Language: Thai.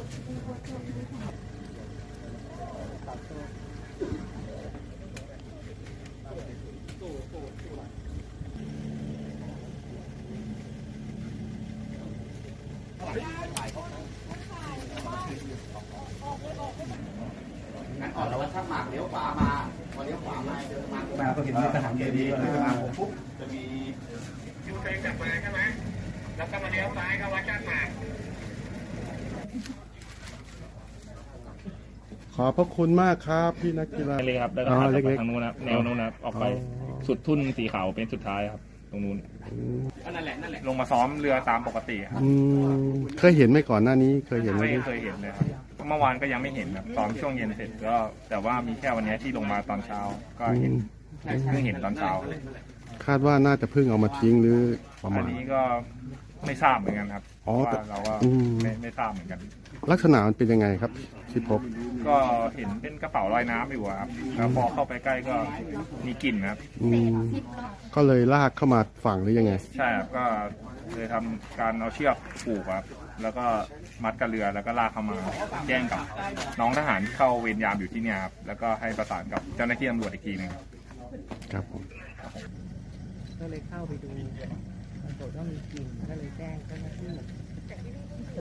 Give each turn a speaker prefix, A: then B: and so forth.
A: งั้นออกแล้วว่าถ้าหมากเลี้ยวขวามาพอเลี้ยวขวามาเจอมาก็เห็นทหารเจดีย์เลยมาผมปุ๊บจะมียูเทิร์นกลับมาใช่ไหมแล้วก็มาเลี้ยวซ้ายเข้าวัดจ้านหมาก
B: ขอบพระคุณมากครับพี่นักกีฬา
C: เลยครับแล้วก็ถัดไปทางนู้นนะแนวนู้นนะออกไปสุดทุ่นสีขาวเป็นสุดท้ายครับตรงนู้นนั่นแหละลงมาซ้อมเรือตามปกติครับ
B: เคยเห็นไหมก่อนหน้านี้เคยเห็นไหม
C: ไม่เคยเห็นเลยครับเมื่อวานก็ยังไม่เห็นครับซ้อมช่วงเย็นเสร็จก็แต่ว่ามีแค่วันนี้ที่ลงมาตอนเช้าก็เห็นเพิ่งเห็นตอนเช้า
B: คาดว่าน่าจะเพิ่งเอามาทิ้งหรือประมาณ
C: อันนี้ก็ไม่ทราบเหมือนกันครับเพราะว่าเราก็ไม่ทราบเหมือนกัน
B: ลักษณะมันเป็นยังไงครับที่พบ
C: ก็เห็นเป็นกระเป๋าลอยน้ำอยู่ครับแล้วพอเข้าไปใกล้ก็มีกลิ่นครับ
B: ก็เลยลากเข้ามาฝั่งหรือยังไง
C: ใช่ครับก็เลยทำการเอาเชือกผูกครับแล้วก็มัดกับเรือแล้วก็ลากเข้ามาแจ้งกับน้องทหารที่เข้าเวรยามอยู่ที่นี่ครับแล้วก็ให้ประสานกับเจ้าหน้าที่ตำรวจอีกทีนึง
B: ครับผม
D: ก็เลยเข้าไปดูปรากฏว่ามีกลิ่นก็เลยแจ้งเจ้าหน้าที่